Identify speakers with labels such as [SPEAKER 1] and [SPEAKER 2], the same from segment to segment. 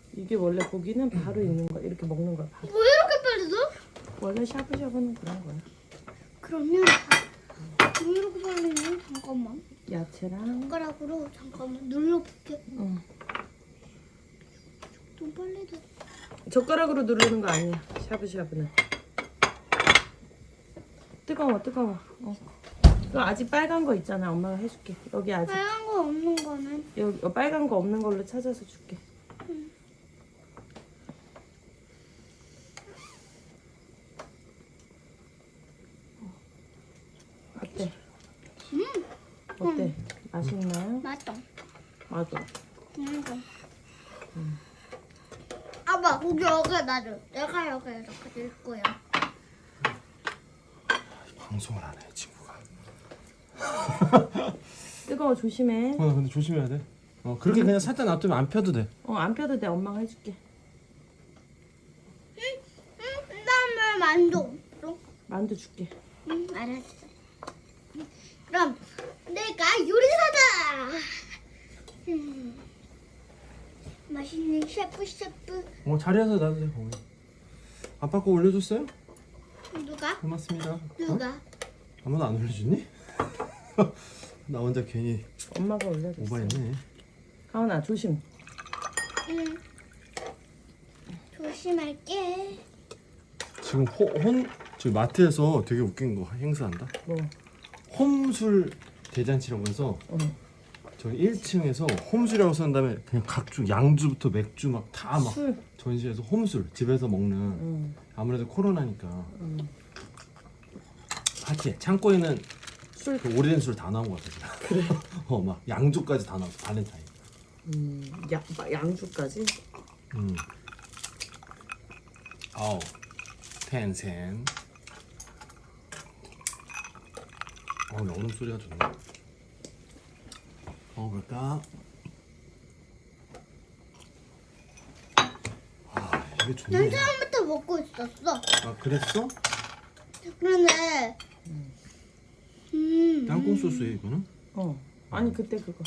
[SPEAKER 1] 이게 원래 고기는 바로 익는 거야. 이렇게 먹는 거야. 바로.
[SPEAKER 2] 왜 이렇게 빨리 넣어?
[SPEAKER 1] 원래 샤브샤브는 그런 거야.
[SPEAKER 2] 그러면 왜 이렇게 빨리 넣어? 잠깐만.
[SPEAKER 1] 야채랑
[SPEAKER 2] 젓가락으로 잠깐만 눌러볼게.
[SPEAKER 1] 응.
[SPEAKER 2] 좀 빨리 넣어.
[SPEAKER 1] 젓가락으로 누르는 거 아니야. 샤브샤브는. 뜨거워. 이거 아직 빨간 거 있잖아. 엄마가 해줄게. 여기 아직
[SPEAKER 2] 빨간 거 없는 거는
[SPEAKER 1] 여기 빨간 거 없는 걸로 찾아서 줄게. 어때? 어때? 맛있나요?
[SPEAKER 2] 맞다.
[SPEAKER 1] 맞아.
[SPEAKER 2] 이거. 아빠 고기 여기 놔줘. 내가 여기 이렇게 넣을 거야.
[SPEAKER 3] 방송을 안 해, 친구가.
[SPEAKER 1] 뜨거워 조심해.
[SPEAKER 3] 나 근데 조심해야 돼. 그렇게 그냥 살짝 놔두면 안 펴도 돼.
[SPEAKER 1] 안 펴도 돼. 엄마가 해줄게.
[SPEAKER 2] 그다음에 만두.
[SPEAKER 1] 만두 줄게.
[SPEAKER 2] 알았어. 그럼 내가 요리사다. 맛있는 셰프.
[SPEAKER 3] 자리에서 놔도 돼, 거기. 아빠 거 올려줬어요?
[SPEAKER 2] 누가?
[SPEAKER 3] 고맙습니다.
[SPEAKER 2] 누가?
[SPEAKER 3] 아무도 안 올려줬니? 나 혼자 괜히
[SPEAKER 1] 엄마가 올려줬어.
[SPEAKER 3] 오버했네.
[SPEAKER 1] 가은아 조심.
[SPEAKER 2] 응. 조심할게.
[SPEAKER 3] 지금 지금 마트에서 되게 웃긴 거 행사한다.
[SPEAKER 1] 뭐?
[SPEAKER 3] 홈술 대잔치라고 해서 저기 1층에서 홈술이라고 쓴 다음에 그냥 각종 양주부터 맥주 막 다 막
[SPEAKER 1] 술.
[SPEAKER 3] 전시해서 홈술 집에서 먹는 아무래도 코로나니까 파티에 창고에는
[SPEAKER 1] 술.
[SPEAKER 3] 그 오래된 술 다 나온 것 같아. 그래? 막 양주까지 다 나왔어. 발렌타인.
[SPEAKER 1] 양주까지?
[SPEAKER 3] 아우 텐센. 얼음 소리가 좋네. 먹어볼까? 이게
[SPEAKER 2] 난
[SPEAKER 3] 좋네.
[SPEAKER 2] 처음부터 먹고 있었어.
[SPEAKER 3] 아 그랬어?
[SPEAKER 2] 그런데
[SPEAKER 3] 땅콩 소스에 이거는?
[SPEAKER 1] 아니 그때 그거.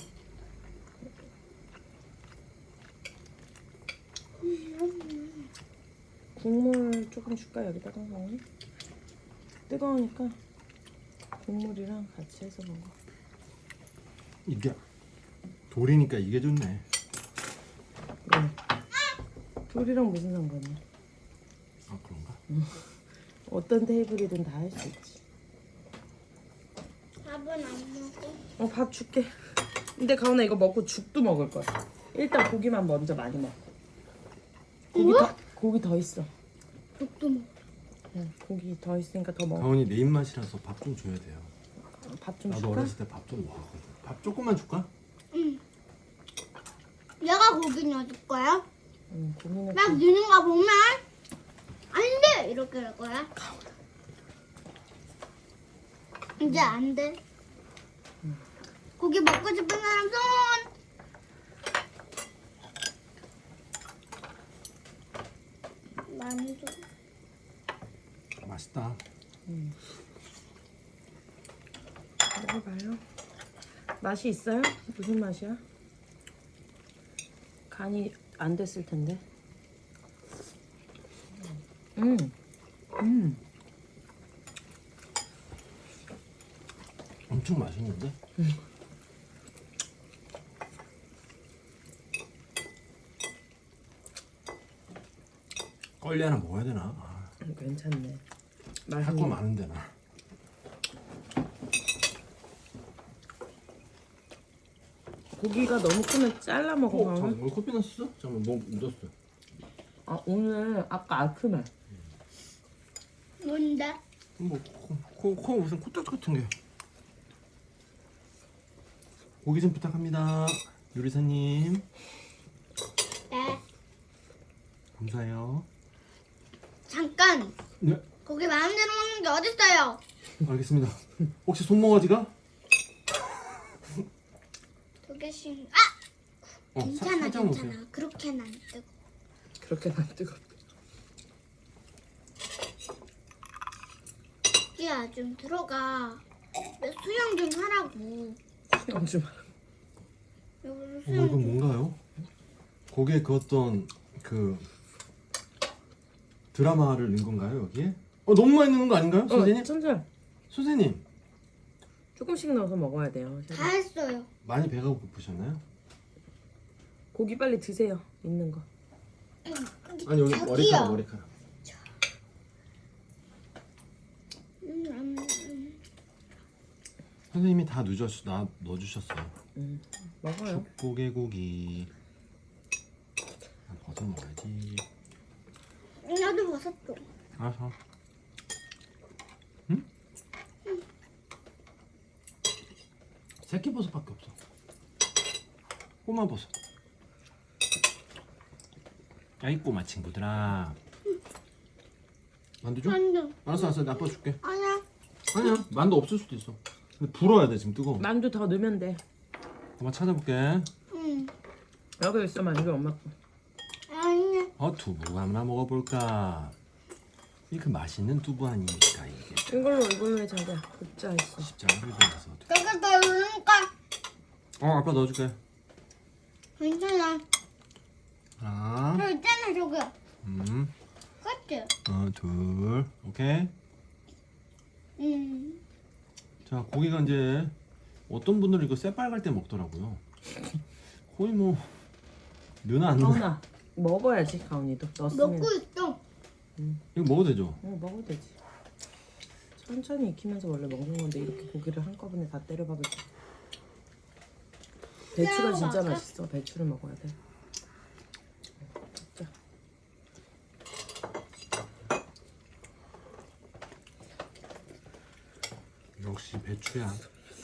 [SPEAKER 1] 국물 조금 줄까 여기다가 먹니? 뜨거우니까 국물이랑 같이 해서 먹어.
[SPEAKER 3] 이게 돌이니까 이게 좋네.
[SPEAKER 1] 네. 둘이랑 무슨 상관이야?
[SPEAKER 3] 아 그런가?
[SPEAKER 1] 어떤 테이블이든 다 할 수 있지.
[SPEAKER 2] 밥은 안 먹어.
[SPEAKER 1] 밥 줄게. 근데 가은아 이거 먹고 죽도 먹을 거야. 일단 고기만 먼저 많이 먹어. 고기 더 있어.
[SPEAKER 2] 죽도 먹어.
[SPEAKER 1] 응, 고기 더 있으니까 더 먹어.
[SPEAKER 3] 가온이 내 입맛이라서 밥 좀 줘야 돼요.
[SPEAKER 1] 밥 좀
[SPEAKER 3] 나도
[SPEAKER 1] 줄까?
[SPEAKER 3] 어렸을 때 밥 좀 먹었거든. 밥 조금만 줄까?
[SPEAKER 2] 얘가 고기 넣어줄 거야?
[SPEAKER 1] 응, 고기는
[SPEAKER 2] 막 넣는 거 보면 안 돼! 이렇게 할 거야. 이제 안 돼. 고기 먹고 싶은 사람 손! 만두.
[SPEAKER 3] 맛있다.
[SPEAKER 1] 먹어봐요. 맛이 있어요? 무슨 맛이야? 간이 안 됐을 텐데.
[SPEAKER 3] 엄청 맛있는데? 껄리 하나 먹어야 되나?
[SPEAKER 1] 괜찮네.
[SPEAKER 3] 할 거
[SPEAKER 1] 맛있네.
[SPEAKER 3] 많은데 나.
[SPEAKER 1] 고기가 너무 크면 잘라 먹어. 가은아.
[SPEAKER 3] 잠깐만 커피 넣었어? 잠깐만 뭐 묻었어.
[SPEAKER 1] 오늘 아까 아크만.
[SPEAKER 2] 뭔데?
[SPEAKER 3] 코 무슨 코딱지 같은 게. 고기 좀 부탁합니다. 요리사님.
[SPEAKER 2] 네.
[SPEAKER 3] 감사해요.
[SPEAKER 2] 잠깐!
[SPEAKER 3] 네,
[SPEAKER 2] 고기 마음대로 먹는 게 어딨어요?
[SPEAKER 3] 알겠습니다. 혹시 손모가지가?
[SPEAKER 2] 두 개씩.
[SPEAKER 3] 살짝
[SPEAKER 2] 괜찮아.
[SPEAKER 3] 먹으세요.
[SPEAKER 2] 그렇게는 안 뜨고.
[SPEAKER 1] 그렇게 안 뜨겁.
[SPEAKER 2] 고기야 좀 들어가. 수영 좀 하라고.
[SPEAKER 1] 수영 좀.
[SPEAKER 2] 여기서
[SPEAKER 3] 어머
[SPEAKER 2] 수영
[SPEAKER 3] 이건 뭔가요? 고기에 그었던 그 드라마를 넣은 건가요 여기에? 너무 많이 넣는 거 아닌가요, 선생님?
[SPEAKER 1] 천천히.
[SPEAKER 3] 선생님
[SPEAKER 1] 조금씩 넣어서 먹어야 돼요.
[SPEAKER 2] 다 했어요.
[SPEAKER 3] 많이 배가 고프셨나요?
[SPEAKER 1] 고기 빨리 드세요. 있는 거.
[SPEAKER 3] 아니 여기
[SPEAKER 2] 저기요.
[SPEAKER 3] 머리카락. 선생님이 다 넣어주셨어요.
[SPEAKER 1] 먹어요.
[SPEAKER 3] 족보개고기. 버섯 먹어야지.
[SPEAKER 2] 나도 버섯 줘.
[SPEAKER 3] 알았어. 응? 새끼버섯밖에 없어. 꼬마 버섯. 야이 꼬마 친구들아. 만두 줘?
[SPEAKER 2] 만두.
[SPEAKER 3] 알았어 알았어. 아빠 줄게.
[SPEAKER 2] 아니야.
[SPEAKER 3] 아니야 만두 없을 수도 있어. 근데 불어야 돼 지금 뜨거워.
[SPEAKER 1] 만두 더 넣으면 돼.
[SPEAKER 3] 엄마 찾아볼게.
[SPEAKER 2] 응.
[SPEAKER 1] 여기 있어 만두 엄마 거.
[SPEAKER 2] 아니야.
[SPEAKER 3] 두부 하나 먹어볼까? 이게 그 맛있는 두부 아닙니까 이게.
[SPEAKER 1] 이걸로 해 자기야. 굽자 있어.
[SPEAKER 3] 십자가를 돌려서.
[SPEAKER 2] 내가 더 넣으니까
[SPEAKER 3] 아빠 넣어줄게.
[SPEAKER 2] 괜찮아.
[SPEAKER 3] 하나.
[SPEAKER 2] 저 있잖아 저기. 그치?
[SPEAKER 3] 둘. 오케이. 자 고기가 이제 어떤 분들은 이거 새빨갈 때 먹더라고요. 거의 뭐 누나 안 누나.
[SPEAKER 1] 가온아 먹어야지 가온이도 넣었으면.
[SPEAKER 2] 먹고 있어.
[SPEAKER 3] 이거 먹어도 되죠?
[SPEAKER 1] 먹어도 되지. 천천히 익히면서 원래 먹는 건데 이렇게 고기를 한꺼번에 다 때려 박을 때. 배추가 진짜
[SPEAKER 2] 먹을까?
[SPEAKER 1] 맛있어. 배추를 먹어야 돼. 자.
[SPEAKER 3] 역시 배추야.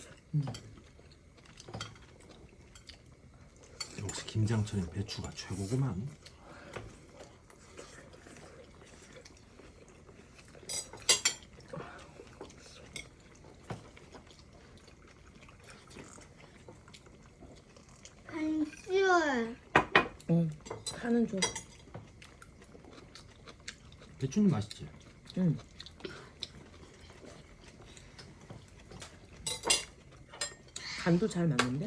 [SPEAKER 3] 역시 김장철엔 배추가 최고구만.
[SPEAKER 2] 안 쉬워요.
[SPEAKER 1] 응. 하는 줘.
[SPEAKER 3] 배추는 맛있지?
[SPEAKER 1] 응. 간도 잘 맞는데?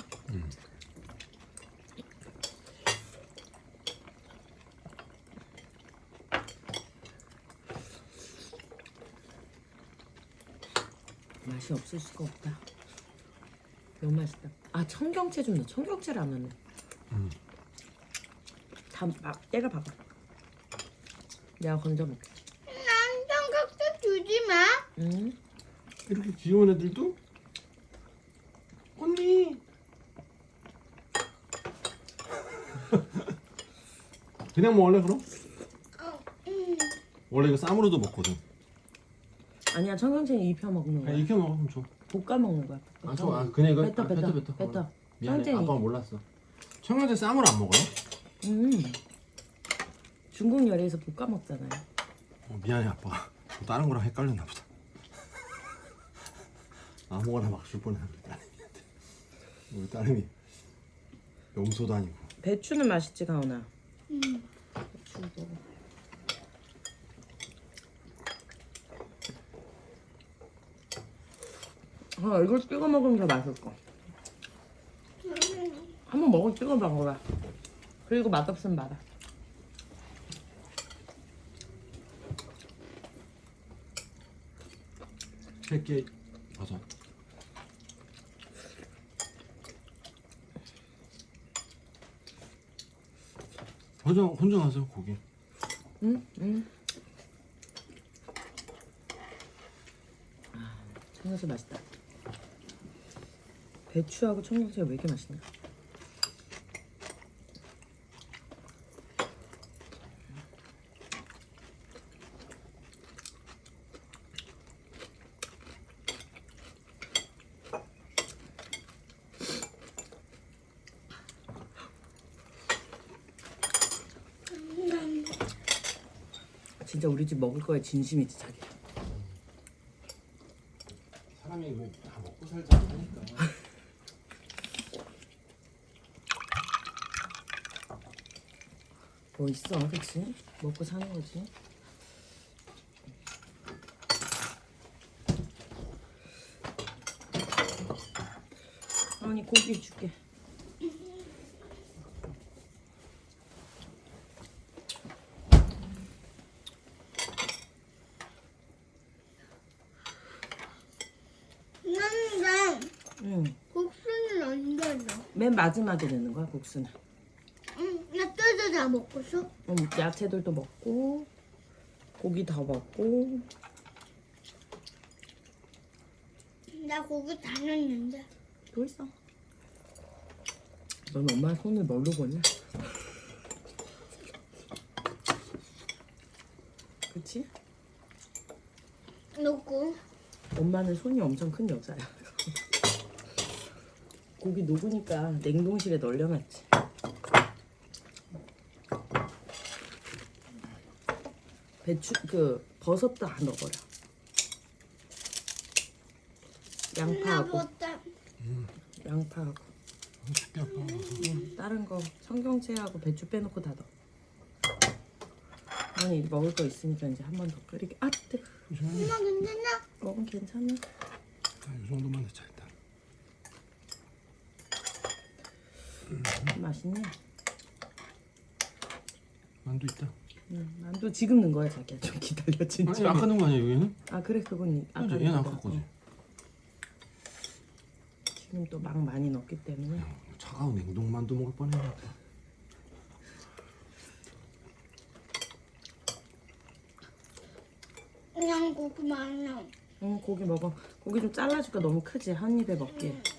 [SPEAKER 1] 맛이 없을 수가 없다. 너무 맛있다. 아 청경채 좀 넣어. 청경채를 안 넣네. 다 때려 박아. 내가 건져 먹게.
[SPEAKER 2] 난 삼각대 주지 마.
[SPEAKER 1] 응?
[SPEAKER 3] 이렇게 귀여운 애들도? 언니! 그냥 먹을래 그럼? 원래 이거 쌈으로도 먹거든.
[SPEAKER 1] 아니야 청경채는 입혀 먹는 거야.
[SPEAKER 3] 익혀 먹으면 줘.
[SPEAKER 1] 볶아 먹는 거야.
[SPEAKER 3] 아, 좋아. 그냥 이거
[SPEAKER 1] 뱉어.
[SPEAKER 3] 미안해.
[SPEAKER 1] 청경채
[SPEAKER 3] 아빠가 몰랐어. 청경채 쌈으로 안 먹어요?
[SPEAKER 1] 중국 요리에서 볶아 먹잖아요.
[SPEAKER 3] 미안해 아빠가. 다른 거랑 헷갈렸나 보다. 아무거나 막 줄 뻔했네 우리 딸내미한테. 우리 딸내미 염소도 아니고.
[SPEAKER 1] 배추는 맛있지 가온아. 배추 먹어. 이걸 찍어 먹으면 더 맛있을 거. 한번 먹어 찍어 먹어봐. 그리고 맛없으면 말아.
[SPEAKER 3] 새끼 버섯. 혼자 가세요 고기.
[SPEAKER 1] 응. 청경채 맛있다. 배추하고 청경채가 왜 이렇게 맛있냐? 진짜 우리 집 먹을 거에 진심이지 자기야.
[SPEAKER 3] 사람이 뭐 다 먹고 살지 않으니까.
[SPEAKER 1] 뭐 있어, 그치? 먹고 사는 거지. 아니 고기 줄게. 맨 마지막에 넣는 거야 국수는.
[SPEAKER 2] 나 뜯어 다 먹었어.
[SPEAKER 1] 야채들도 먹고 고기 더 먹고.
[SPEAKER 2] 나 고기 다 넣었는데.
[SPEAKER 1] 또 있어. 넌 엄마 손을 뭘로 보냐? 그치?
[SPEAKER 2] 넣고.
[SPEAKER 1] 엄마는 손이 엄청 큰 여자야. 고기 녹으니까 냉동실에 널려놨지. 배추 그 버섯도 안 넣어버려. 양파하고
[SPEAKER 2] 먹었다.
[SPEAKER 1] 양파하고
[SPEAKER 3] 쉽게 아빠.
[SPEAKER 1] 다른 거 청경채하고 배추 빼놓고 다 넣어. 아니 먹을 거 있으니까 이제 한 번 더 끓이게. 아 뜨거.
[SPEAKER 3] 조심하게.
[SPEAKER 2] 엄마 괜찮아?
[SPEAKER 1] 먹으면 괜찮아.
[SPEAKER 3] 이 정도만 넣자 일단.
[SPEAKER 1] 맛있네.
[SPEAKER 3] 만두 있다.
[SPEAKER 1] 만두 지금 넣은 거야 자기야. 좀 기다려 진짜.
[SPEAKER 3] 아니 아까 넣은 거 아니야 여기는?
[SPEAKER 1] 아 그래 그건 아까
[SPEAKER 3] 그지? 얘는
[SPEAKER 1] 넣은
[SPEAKER 3] 아까
[SPEAKER 1] 거.
[SPEAKER 3] 거지.
[SPEAKER 1] 지금 또 막 많이 넣기 때문에.
[SPEAKER 3] 차가운 냉동 만두 먹을 뻔했네.
[SPEAKER 2] 그냥 고기 많아.
[SPEAKER 1] 고기 먹어. 고기 좀 잘라줄까? 너무 크지? 한 입에 먹기에.